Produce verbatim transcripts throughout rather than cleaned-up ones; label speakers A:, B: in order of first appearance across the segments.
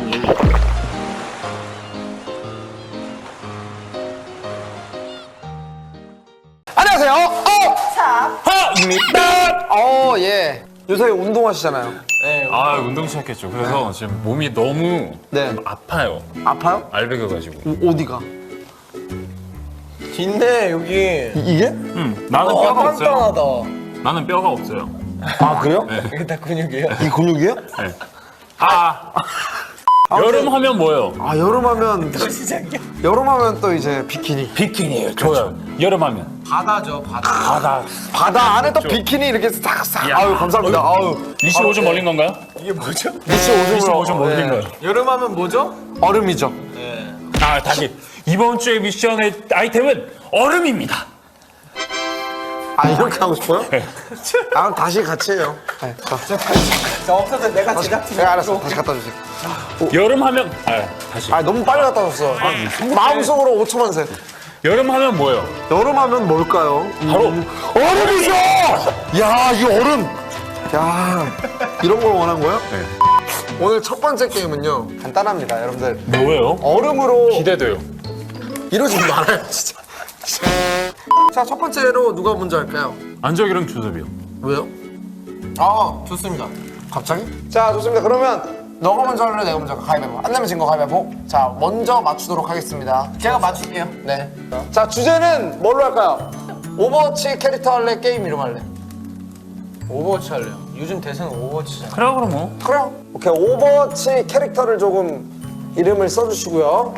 A: 안녕하세요. 어!
B: 차.
A: 하입니다. 어, 예. 요새 운동하시잖아요.
B: 네.
C: 아 운동 시작했죠. 그래서 지금 몸이 너무
A: 네.
C: 아파요.
A: 아파요?
C: 알배겨가지고.
A: 어, 어디가?
B: 있네 여기.
A: 이, 이게?
C: 응. 나는
B: 와
C: 뼈가 없어요.
B: 단단하다.
C: 나는 뼈가 없어요.
A: 아, 그래요?
B: 이게 다 근육이에요?
A: 이 근육이에요?
C: 네. 아. 여름 하면 뭐예요?
A: 아, 여름 하면
B: 시작이야.
A: 여름 하면 또 이제 비키니.
C: 비키니예요. 좋아요. 여름 하면
B: 바다죠 바다.
C: 바다.
A: 바다 안에 또 비키니 이렇게 싹싹.
C: 야.
A: 아유, 감사합니다. 아유.
C: 이십오 점 올린 건가요?
B: 이게 뭐죠?
C: 이십오 점 올린 거예요.
B: 여름하면 뭐죠?
A: 얼음이죠.
B: 네.
C: 아 다시 이번 주의 미션의 아이템은 얼음입니다.
A: 아, 이렇게 하고 싶어요? 아, 그럼 다시 같이 해요. 네. 자,
B: 자 없어서 내가 제작팀.
A: 네, 알았어. 다시 갖다 주세요.
C: 여름 하면 아 다시.
A: 아, 너무 빨리 갖다 줬어. 마음속으로 오초만 세.
C: 여름 하면 뭐예요?
A: 여름 하면 뭘까요?
C: 바로
A: 얼음이죠! 야, 이 얼음! 야, 이런 걸 원한 거예요?
C: 네.
A: 오늘 첫 번째 게임은요, 간단합니다, 여러분들.
C: 뭐예요?
A: 얼음으로
C: 기대돼요.
A: 이러지 말아요, 진짜. 자, 첫 번째로 누가 먼저 할까요?
C: 안적이랑 주섭이요.
A: 왜요?
B: 아 좋습니다.
A: 갑자기? 자, 좋습니다. 그러면 너가 먼저 할래, 내가 먼저 할까? 가위바위보. 안 내면 진 거 가위바위보. 자, 먼저 맞추도록 하겠습니다.
B: 제가 맞출게요.
A: 네. 자, 주제는 뭘로 할까요? 오버워치 캐릭터 할래, 게임 이름 할래?
B: 오버워치 할래요. 요즘 대세는 오버워치잖아.
C: 그래 그럼 뭐.
A: 그래요. 오케이, 오버워치 캐릭터를 조금 이름을 써주시고요.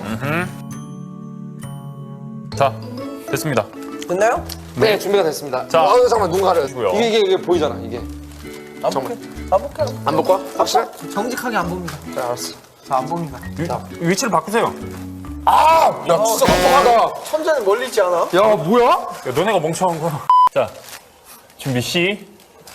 C: 자 됐습니다.
B: 됐나요?
A: 네, 준비가 됐습니다.
C: 자.
A: 어, 잠깐만, 눈 가려요.
C: 이거요.
A: 이게, 이게, 이게 보이잖아, 이게.
B: 안 볼게. 안 볼게요.
A: 안 볼 거야? 확실해?
B: 정직하게 안 봅니다.
A: 자, 알았어.
B: 자 안 봅니다.
C: 위, 위치를 바꾸세요.
A: 아! 야, 진짜 똑똑하다.
B: 천재는 멀리 있지 않아?
A: 야, 뭐야?
C: 야, 너네가 멍청한 거. 자, 준비 시.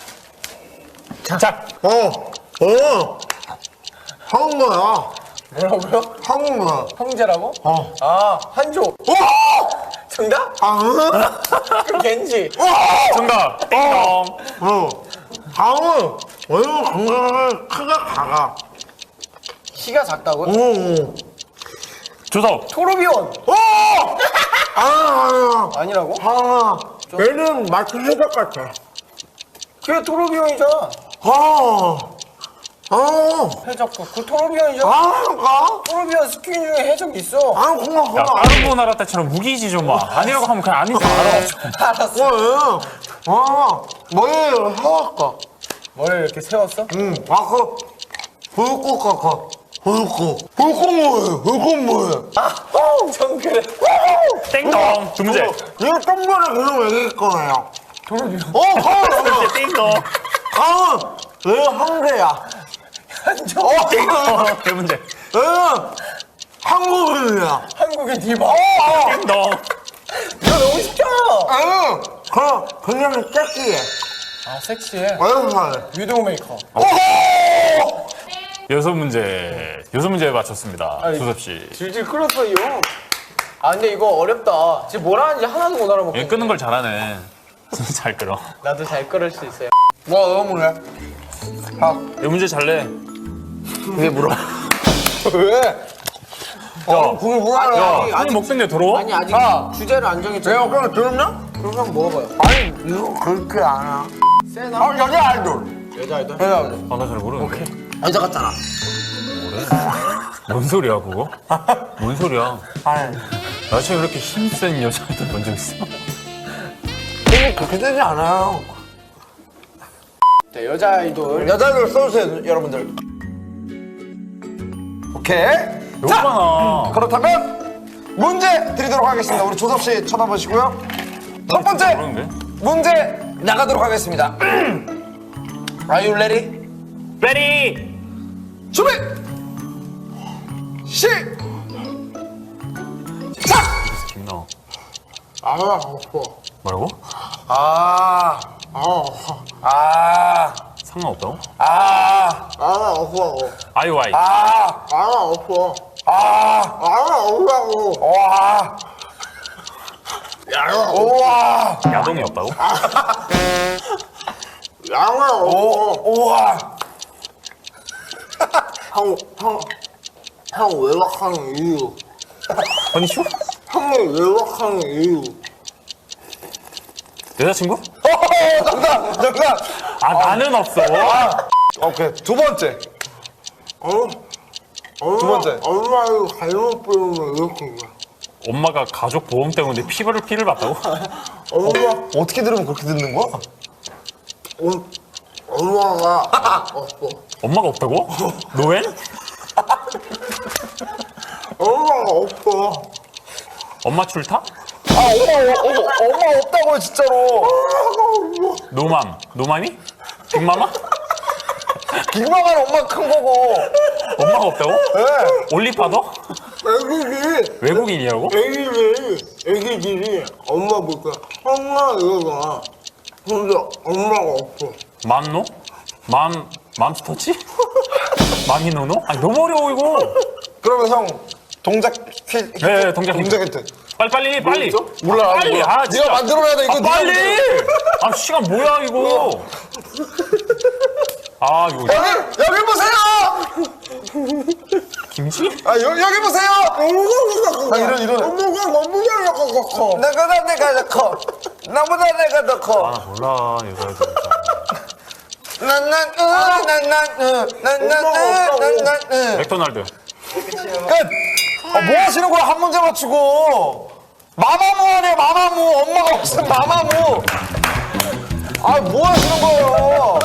C: 자,
A: 어, 어. 한국어야.
B: 뭐라고요?
A: 한국어야.
B: 형제라고?
A: 어.
B: 아 한조.
A: 오!
B: 정답?
A: 아,
B: 그럼 겐지.
C: 정답. 띵동.
A: 어. 다음은 얼굴 건강을 크게 가가.
B: 키가 작다고?
A: 오.
C: 조섭.
B: 토르비온.
A: 오! 아, 아,
B: 아니라고?
A: 아. 얘는 마치 해적 같아.
B: 그게 토르비온이잖아.
A: 아. 아.
B: 해적 그 토르비온이잖아.
A: 아, 가?
B: 토르비온 스킨 중에 해적이 있어.
A: 아, 고마워.
C: 야, 다른 나라 때처럼 무기지 좀 마. 아니라고 하면 그냥 아닌 줄 알아.
B: 알았어.
A: 왜? 아, 머리를 해왔까?
B: 머리를 이렇게 세웠어?
A: 응. 아, 그, 불꽃 같아. 불꽃. 불꽃 뭐예요? 불꽃 뭐예요?
B: 아, 어, 전 그래.
C: 띵동. 두 문제.
A: 이거 똥물을 계속 얘기할 거예요.
B: 토르비온.
A: 어, 가은!
C: 띵동.
A: 가은! 왜 한계야?
B: 한조.
A: 어,
C: 세 문제.
A: 얘는 한국인이야.
B: 한국의 디바.
C: 띵동.
B: 이거 너무 쉽잖아.
A: 얘는 그냥, 그냥 섹시해.
B: 아, 섹시해.
A: 왼팔.
B: 위도우 메이커.
C: 여섯 문제. 여섯 문제 맞췄습니다.
B: 아니,
C: 조섭 씨.
B: 질질 끌었어요. 아, 근데 이거 어렵다. 지금 뭘 하는지 하나도 못 알아먹고.
C: 얘 끄는 걸 잘하네. 잘 끌어.
B: 나도 잘 끌을 수 있어요.
A: 뭐, 너무 그래?
C: 이 문제 잘 내.
A: 왜 물어? 왜? 어, 그게 뭐야?
C: 야, 손이 먹던데 더러워?
B: 아니, 아직
A: 아.
B: 주제를 안 정했잖아.
A: 내가 그냥 들었냐?
B: 그럼 한번 먹어봐요.
A: 아니, 이거 그렇게 안 해.
B: 세나?
A: 아, 여자 아이돌.
B: 여자 아이돌?
A: 여자 아이돌.
C: 아, 나 잘 모르는데.
A: 여자 같잖아.
C: 뭔 소리야, 그거? 뭔 소리야?
A: 아니,
C: 나 지금 이렇게 힘센 여자애들 본 적 있어?
A: 이거 그렇게 되지 않아요.
B: 자, 여자 아이돌.
A: 여자 아이돌 써주세요, 여러분들. 오케이.
C: 너무 많아.
A: 그렇다면 문제 드리도록 하겠습니다. 우리 조섭 씨 쳐다보시고요. 첫 번째
C: 모르는데?
A: 문제 나가도록 하겠습니다. Are you ready?
C: 레디!
A: 준비! 시! 작!
C: 김나와.
A: 아, 아파.
C: 뭐라고?
A: 아, 아, 아,
C: 상관없다고?
A: 아, 아, 아파.
C: 아이오아이.
A: 아, 아, 아파. 아, 아, 아프다고. 와. 야, 우와.
C: 야동이 없다고?
A: 양아, 오, 우와. 형, 형,
B: 형 외박하는 이유.
C: 허니쇼?
B: 형을 외박하는 이유.
C: 여자친구?
A: 어, 정답! 정답!
C: 아, 나는 없어.
A: 오케이. 두 번째.
B: 어? 엄마,
A: 두 번째.
B: 엄마 이거 잘못 보면 이렇게 돼.
C: 엄마가 가족 보험 때문에 피부를 피를 봤다고?
B: 엄마,
A: 어떻게 들으면 그렇게 듣는 거야?
B: 어, 엄마가 없어.
C: 엄마가 없다고? 노엔?
B: 엄마가 없어.
C: 엄마 출타?
A: 아, 엄마, 어, 어, 엄마 없다고요, 진짜로.
C: 노맘. 노맘이? 빅마마?
A: 빅마마는 엄마 큰 거고.
C: 엄마가 없다고?
A: 네.
C: 올리파더?
B: 애기들이,
C: 외국인이라고?
B: 애기들이, 애기들이 엄마보다 엄마 이러잖아. 근데 엄마가 없어.
C: 맘노? 맘, 맘스터치? 맘이노노? 아니, 너무 어려워, 이거.
A: 그러면 형, 동작 퀴즈.
C: 네, 네, 동작
A: 동작 힌트.
C: 빨리, 빨리, 빨리.
A: 몰라.
C: 아, 빨리.
A: 몰라.
C: 아, 진짜.
A: 네가 만들어야 돼, 이거.
C: 아,
A: 네가
C: 빨리!
A: 만들어.
C: 아, 시간 뭐야, 이거. 아, 이거.
A: 여기, 여기 보세요!
C: 김치?
A: 아, 여, 여기 보세요! 아, 이런, 이런.
B: 엄마가 너무나 약간 커.
A: 내가, 내가 더 커. 나보다 내가 더 커.
C: 아, 나 몰라, 여자애들.
A: 난, 난, 으, 난, 난, 으, 난, 난, 으, 난, 난, 으.
C: 맥도날드.
A: 끝! 아, 뭐 하시는 거야, 한 문제 맞추고. 마마무 하네, 마마무. 엄마가 무슨 마마무. 아, 뭐 하시는 거예요?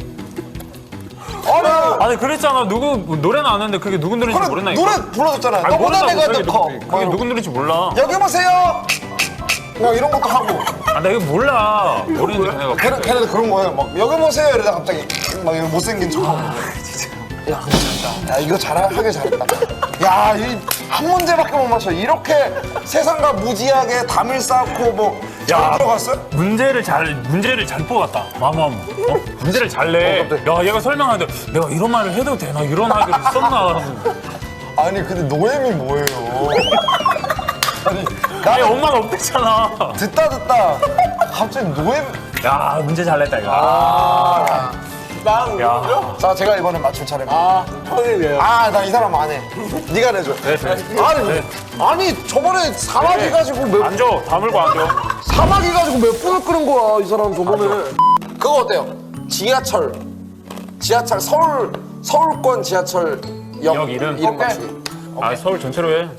A: 아니,
C: 아니, 그랬잖아. 누구, 노래는 아는데 그게 누구 노래인지
A: 그래,
C: 모른다니까.
A: 노래 불러줬잖아요.
C: 아니,
A: 너보다
C: 모른다고,
A: 내가
C: 그게
A: 더 커.
C: 누구-
A: 뭐
C: 그게 누구 노래인지 몰라.
A: 여기 보세요! 뭐 이런 것도 하고.
C: 아, 나 이거 몰라. 모르는데 걔네가.
A: 걔네, 걔네도 그런 거예요. 막, 여기 보세요! 이러다 갑자기 막 이런 못생긴 척 하고. 야, 근데 잘했다. 야, 이거 잘하게 잘했다. 야, 이 한 문제밖에 못 맞춰. 이렇게 세상과 무지하게 담을 쌓고 뭐.
C: 야.
A: 잘 들어갔어요?
C: 문제를 잘 문제를 잘 뽑았다. 마마무. 어? 문제를 잘 내.
A: 어, 깜짝이야.
C: 야, 얘가 설명하는데 내가 이런 말을 해도 되나? 이런 아이들이 있었나?
A: 아니, 근데 노엠이 뭐예요? 아니,
C: 아니,
A: 나는
C: 엄마가 없댔잖아.
A: 듣다 듣다 갑자기 노엠.
C: 야, 문제 잘 냈다 이거.
A: 아.
B: 난
C: 야.
B: 누구죠?
A: 자, 제가 이번엔 맞출 차례입니다.
B: 아, 형이래요.
A: 아, 나 이 사람 안 해. 네가 내줘.
C: 네, 네.
A: 아니,
C: 네.
A: 아니 저번에 사마귀
C: 네.
A: 가지고 몇
C: 앉아. 다물고 앉아.
A: 사마귀 가지고 몇 분을 끄는 거야, 이 사람 저번에. 그거 어때요? 지하철, 지하철 서울 서울권 지하철 역,
C: 역 이름?
A: 이름
C: 오케이.
A: 맞추기.
C: 아, 서울 전체로 해.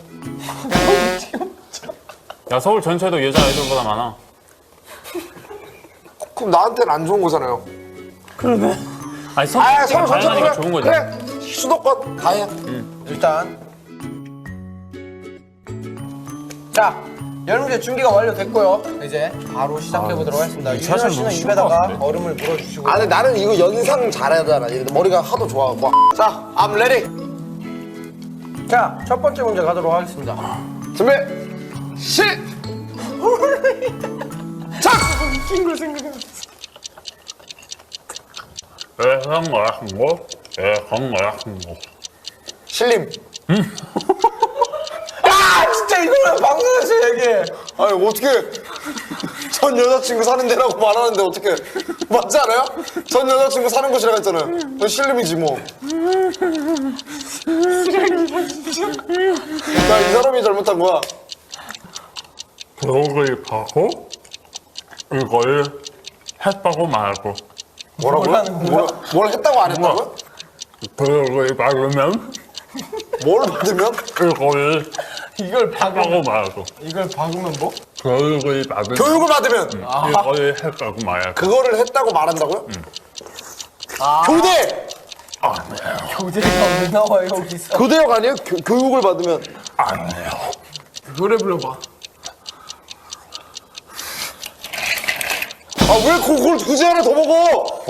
C: 야, 서울 전체도 여자 아이돌보다 많아.
A: 그럼 나한테는 안 좋은 거잖아요.
C: 아니, 서울
A: 아,
C: 전체가
A: 서울 전체
C: 다양하니까
A: 그래.
C: 좋은 거지.
A: 그래, 수도권 다 해.
B: 일단. 자, 여러분들 준비가 완료됐고요. 이제 바로 시작해보도록 하겠습니다. 유진아
C: 사실
B: 씨는
C: 너무 쉬운 것
B: 입에다가
C: 같은데?
B: 얼음을 물어주시고.
A: 아, 근데 나는 이거 연상 잘하잖아. 머리가 하도 좋아. 와. 자, I'm ready.
B: 자, 첫 번째 문제 가도록 하겠습니다.
A: 준비. 시. 작.
C: 대상 말한 거, 대상 말한 거.
A: 신림.
B: 아, 진짜 이거는 방송에서 얘기해.
A: 아니 어떻게 전 여자친구 사는 데라고 말하는데 어떻게 맞지 않아요? 전 여자친구 사는 곳이라고 했잖아요. 그건 신림이지 뭐. 야, 이 사람이 잘못한 거야.
C: 벽을 가고 이걸 했다고 말고
A: 뭐라고요? 뭘, 뭘 했다고 안 했다고요?
C: 벽을 박으면
A: 뭘 받으면?
C: 이걸
B: 이걸 박으면,
C: 했다고 말고
B: 이걸 박으면 뭐?
C: 교육을 받으면
A: 교육을 받으면
C: 이걸 했다고 말고
A: 그거를 했다고 말한다고요?
B: 아,
A: 교대!
B: 교재가 왜 나와, 여기서.
A: 교대역 아니에요? 교, 교육을 받으면.
C: 아니에요.
B: 노래 불러봐.
A: 아, 왜 그걸 굳이 하나 더 먹어?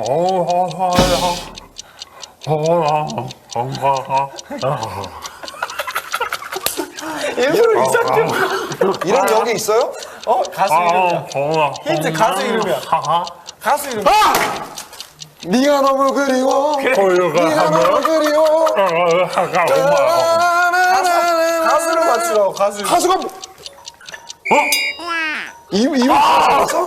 B: 일부러 이상해.
A: 이런 역이 있어요?
B: 어? 가수 이름이야. 힌트 가수 이름이야.
C: 하하.
B: 가수 이름.
A: 아! 네가 너무 그리워.
C: 교육을
A: 네가 너무
C: 하면
A: 그리워.
C: 하가
B: 가수를 맞추라고, 가수 이름.
A: 가수가 뭐- 어? 이 이분 가수?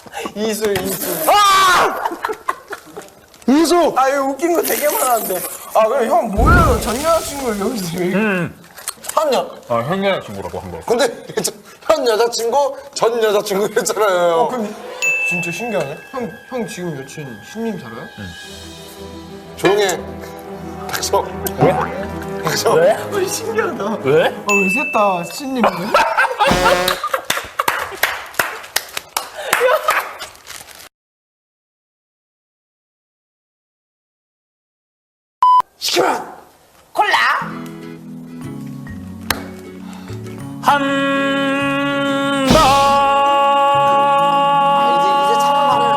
B: 이수, 이수.
A: 아! 이수.
B: 아, 이거 웃긴 거 되게 많았는데. 아 그래 형 뭐예요? 전 여자친구를 여기서 왜
C: 음.
A: 현 여,
C: 아, 형 여자친구라고 한 거.
A: 근데 현 여자친구, 전 여자친구 했잖아요.
B: 어 근데 진짜 신기하네. 형, 형 지금 여친 신님 살아요?
A: 조용히 해. 닥쳐.
C: 왜?
A: 닥쳐.
C: 왜?
B: 어, 신기하다.
C: 왜?
B: 아왜 셋 다 신님인데?
A: 시키면
B: 콜라.
C: 한 번.
A: 이제 이제 참말해요.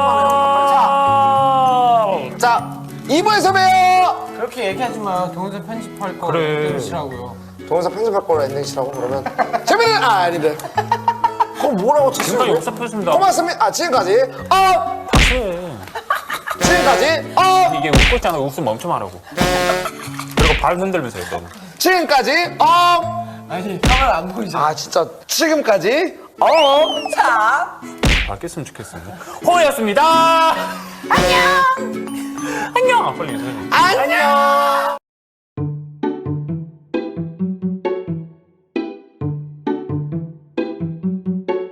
A: 참말해요. 자, 이 부에서 봬요.
B: 그렇게 얘기하지 마. 동영상 편집할 거
C: 그래.
B: 끊으시라고요.
A: 동영상 편집할 거로 엔딩이라고 그러면 재미는 아 아닌데. 그럼 뭐라고
C: 지금까지
A: 쳤어요?
C: 역사표습니다.
A: 고맙습니다. 아 지금까지 어
C: 해.
A: 지금까지 어
C: 이게 웃고 있잖아. 웃음 멈춤하라고. 그리고 발 흔들면서 해, 너는.
A: 지금까지 어
B: 아니 카메라 안 보이잖아.
A: 아 진짜 지금까지 어
C: 바뀌었으면 좋겠어. 호였습니다. 안녕. 안녕. 아, 빨리 인사해.
A: 안녕.